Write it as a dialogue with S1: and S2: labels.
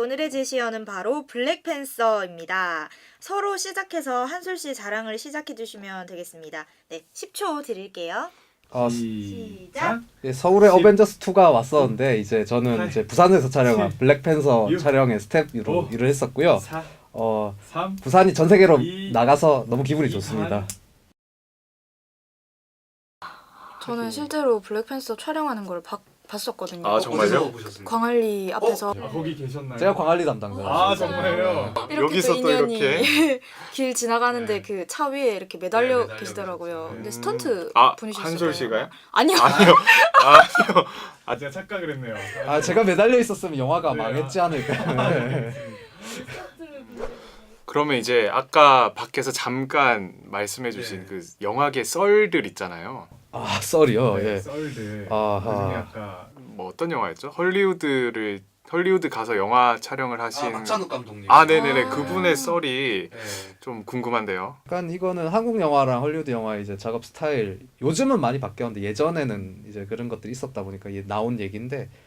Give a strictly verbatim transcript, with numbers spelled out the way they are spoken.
S1: 오늘의 제시어는 바로 블랙팬서입니다. 서로 시작해서 한솔 씨 자랑을 시작해 주시면 되겠습니다. 네, 십 초 드릴게요.
S2: 어,
S1: 시작.
S2: 예, 서울에
S3: 십,
S2: 어벤져스 투가 왔었는데 이제 저는
S3: 팔,
S2: 이제 부산에서 촬영한
S3: 칠,
S2: 블랙팬서
S3: 육,
S2: 촬영의 스텝으로
S3: 오,
S2: 일을 했었고요.
S3: 사,
S2: 어,
S3: 삼,
S2: 부산이 전 세계로
S3: 이,
S2: 나가서 너무 기분이
S3: 이,
S2: 좋습니다.
S4: 저는 실제로 블랙팬서 촬영하는 걸 봐, 봤었거든요.
S5: 아, 정말요?
S4: 광안리 앞에서
S3: 아, 거기 계셨나요?
S2: 제가 광안리 담당자.
S3: 아 정말요?
S4: 이렇게
S5: 여기서
S4: 또
S5: 또
S4: 인연이
S5: 이렇게?
S4: 길 지나가는데
S3: 네.
S4: 그 차 위에 이렇게 매달려,
S3: 네, 매달려
S4: 계시더라고요.
S3: 계셨어요.
S4: 근데
S3: 음.
S4: 스턴트
S5: 아,
S4: 분이셨어요.
S5: 한솔 씨가요?
S4: 아니요.
S5: 아니요. 아니요.
S3: 아 제가 착각을 했네요.
S2: 아 제가 매달려 있었으면 영화가
S3: 네,
S2: 망했지
S3: 아.
S2: 않을까.
S5: 그러면 이제 아까 밖에서 잠깐 말씀해주신
S3: 네.
S5: 그 영화계 썰들 있잖아요.
S2: 아 썰이요.
S3: 네,
S2: 예.
S3: 썰들.
S2: 아하.
S3: 그중에 아까
S5: 뭐 어떤 영화였죠? 헐리우드를 헐리우드 가서 영화 촬영을 하신
S6: 박찬욱 감독님.
S5: 아 네네네
S4: 아.
S5: 그분의 썰이
S6: 네.
S5: 좀 궁금한데요.
S2: 약간 이거는 한국 영화랑 헐리우드 영화의 이제 작업 스타일 요즘은 많이 바뀌었는데 예전에는 이제 그런 것들이 있었다 보니까 이게 나온 얘기인데